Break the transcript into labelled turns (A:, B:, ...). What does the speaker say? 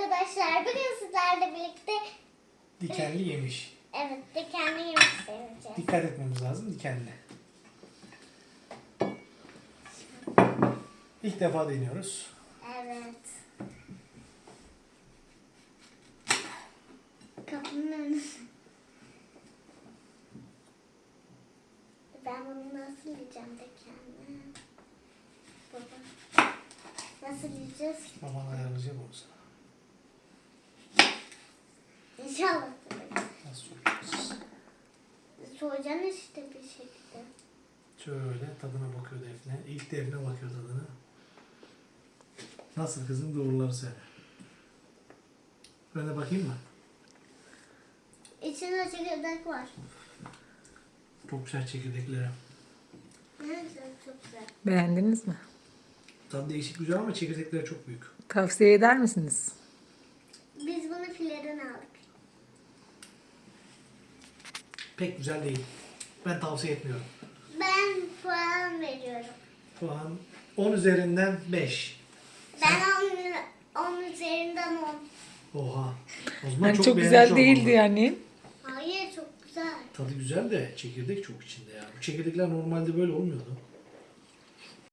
A: arkadaşlar. Bugün sizlerle birlikte
B: Dikenli yemiş.
A: evet dikenli yemek deneyeceğiz.
B: Dikkat etmemiz lazım dikenli. İlk defa deniyoruz.
A: Evet. Kapının önüne. Ben bunu nasıl yiyeceğim dikenli? Baba. Nasıl yiyeceğiz?
B: Baban ayarlayacak onu sana.
A: İnşallah.
B: Nasıl soracağız?
A: Soğuyacaksın işte bir şekilde.
B: Şöyle tadına bakıyor Defne. İlk Defne bakıyor tadına. Nasıl kızım, doğruları söyle. Ben de bakayım mı?
A: İçinde çekirdek var.
B: Çok güzel çekirdeklere.
A: Ne güzel, çok güzel.
C: Beğendiniz mi?
B: Tadı değişik güzel ama çekirdekleri çok büyük.
C: Tavsiye eder misiniz?
A: Biz bunu fileden aldık.
B: Pek güzel değil. Ben tavsiye etmiyorum.
A: Ben puan veriyorum.
B: Puan 10 üzerinden 5.
A: Ben onun üzerinden 10.
B: Oha. O zaman
C: Yani çok
B: beğenmiş
C: güzel
B: olmalı.
C: değildi yani.
A: Hayır çok güzel.
B: Tadı güzel de çekirdek çok içinde ya. Bu çekirdekler normalde böyle olmuyordu.